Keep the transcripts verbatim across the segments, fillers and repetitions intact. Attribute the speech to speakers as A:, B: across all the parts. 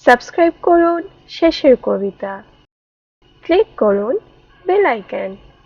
A: Subscribe করুন শেষের কবিতা, ক্লিক করুন বেল আইকন।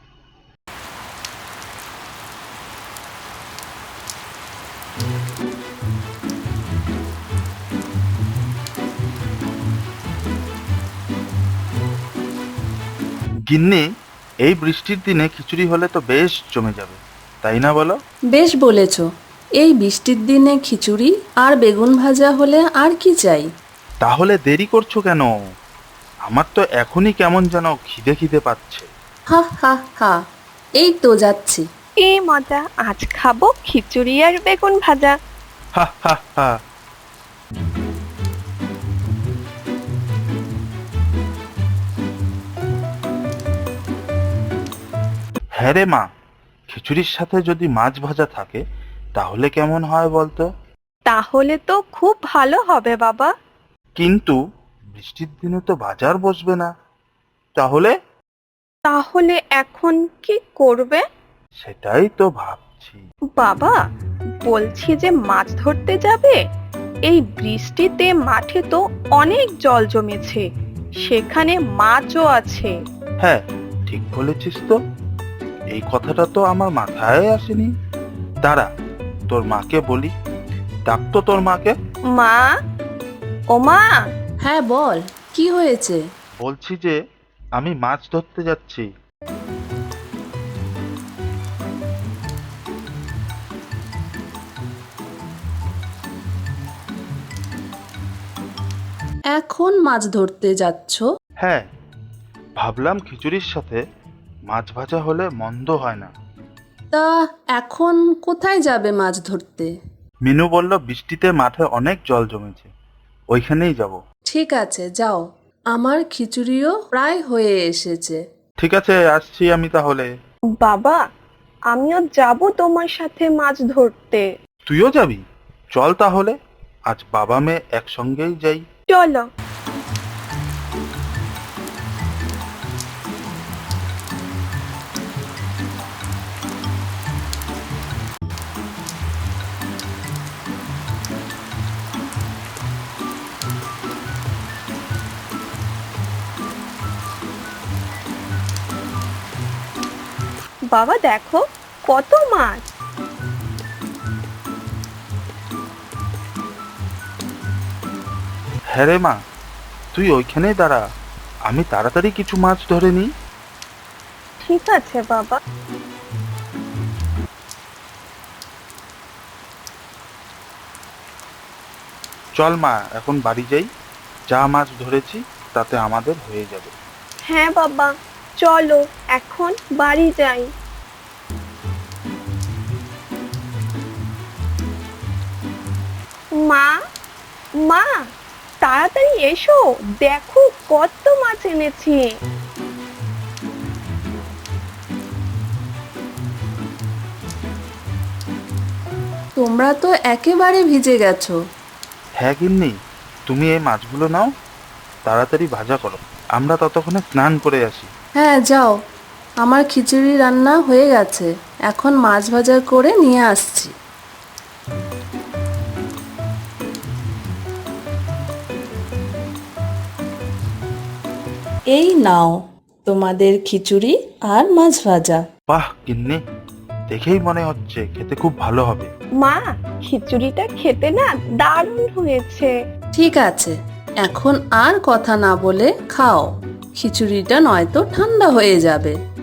B: গিন্নি, এই বৃষ্টির দিনে খিচুড়ি হলে তো বেশ জমে যাবে, তাই না বলো?
C: বেশ বলেছ। এই বৃষ্টির দিনে খিচুড়ি আর বেগুন ভাজা হলে আর কি চাই।
B: তাহলে দেরি করছো কেন? আমার তো এখনই কেমন যেন খিদে খিদে পাচ্ছে।
C: হা হা হা, এই তো যাচ্ছি।
A: কি মজা, আজ খাবো খিচুড়ি আর বেগুন ভাজা।
B: হা হা হা। হ্যাঁ রে মা, খিচুড়ির সাথে যদি মাছ ভাজা থাকে তাহলে কেমন হয় বলতো?
A: তাহলে তো খুব ভালো হবে বাবা।
B: কিন্তু বৃষ্টির দিনে তো বাজার বসবে না, তাহলে?
A: তাহলে এখন কি করবে?
B: সেটাই তো ভাবছি।
A: বাবা, বলছি যে মাছ ধরতে যাবে। এই বৃষ্টিতে মাঠে তো অনেক জল জমেছে, সেখানে মাছও আছে।
B: হ্যাঁ, ঠিক বলেছিস তো। এই কথাটা তো আমার মাথায় আসেনি। দাঁড়া, তোর মাকে বলি। ডাক তো তোর মাকে।
A: মা, ও মা।
C: হ্যাঁ বল, কি হয়েছে?
B: বলছি যে আমি মাছ ধরতে যাচ্ছি।
C: এখন মাছ ধরতে যাচ্ছ?
B: হ্যাঁ, ভাবলাম খিচুড়ির সাথে মাছ ভাজা হলে মন্দ হয় না।
C: তা এখন কোথায় যাবে মাছ ধরতে?
B: মিনু বলল বৃষ্টিতে মাঠে অনেক জল জমেছে, ওইখানেই যাব।
C: ঠিক আছে, যাও। আমার খিচুড়িও প্রায় হয়ে এসেছে।
B: ঠিক আছে, আসছি আমি তাহলে।
A: বাবা, আমিও যাব তোমার সাথে মাছ ধরতে।
B: তুইও যাবি? চল তাহলে, আজ বাবা মেয়ে একসঙ্গেই যাই।
A: চলো। বাবা দেখো, কত মাছ।
B: হ্যাঁ রে মা, তুই ওইখানেই দাঁড়া, আমি তাড়াতাড়ি কিছু মাছ ধরে নিই।
A: ঠিক আছে বাবা।
B: চল মা, এখন বাড়ি যাই। যা মাছ ধরেছি তাতে আমাদের হয়ে যাবে।
A: হ্যাঁ বাবা, চলো এখন বাড়ি যাই। মা, মা, তাড়াতাড়ি এসো, দেখো কত মাছ এনেছি।
C: তোমরা তো একেবারে ভিজে গেছো।
B: হ্যাঁ গিন্নি, তুমি এই মাছগুলো নাও, তাড়াতাড়ি ভাজা করো, আমরা ততক্ষণে স্নান করে আসি।
C: হ্যাঁ যাও, আমার খিচুড়ি রান্না হয়ে গেছে, এখন মাছ ভাজা করে নিয়ে আসছি। এই নাও তোমাদের খিচুড়ি আর মাছ ভাজা।
B: বাহ গিন্নি, দেখেই মনে হচ্ছে খেতে খুব ভালো হবে।
A: মা, খিচুড়িটা খেতে না দারুণ হয়েছে।
C: ঠিক আছে, এখন আর কথা না বলে খাও, খিচুড়িটা নয়তো ঠান্ডা হয়ে যাবে।